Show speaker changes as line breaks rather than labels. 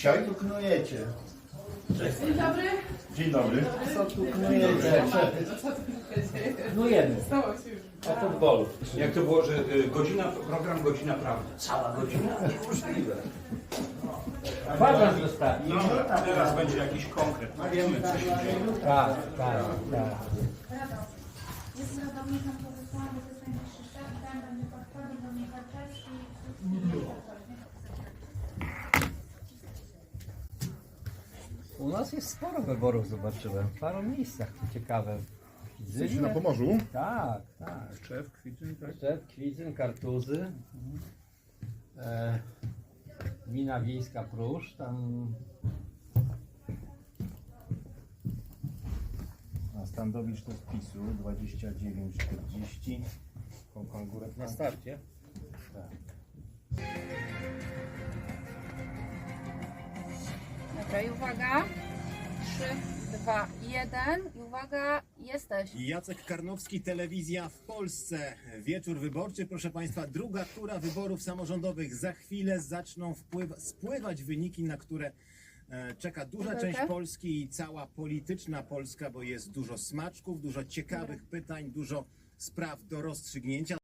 Dzisiaj tu knujecie.
Dzień dobry.
Dzień dobry. Co tu knujecie?
Knujemy.
Stało się już.
O futbolu.
Jak to było, że program godzina prawdy? Cała godzina? Niemożliwe.
Kwadrans zostawi.
No, teraz będzie jakiś konkret. No wiemy, co się dzieje.
Tak.
Jest ratownikiem powysłany, to jest najwyższy szczep, ten będzie podchodził do mnie Karczewski
U nas jest sporo wyborów, zobaczyłem. W paru miejscach to ciekawe.
Jesteście na Pomorzu?
Tak.
Szczew, Kwidzyn, tak?
Szczep, Kwidzyn, Kartuzy. Gmina Wiejska Pruszcz, tam
A Standowicz to z PiSu, 29,40. Pan Górek
na starcie.
Dobra, i uwaga. 3, 2, 1. I uwaga, jesteś.
Jacek Karnowski, Telewizja w Polsce. Wieczór wyborczy, proszę Państwa, druga tura wyborów samorządowych. Za chwilę zaczną spływać wyniki, na które czeka duża część Polski i cała polityczna Polska, bo jest dużo smaczków, dużo ciekawych pytań, dużo spraw do rozstrzygnięcia.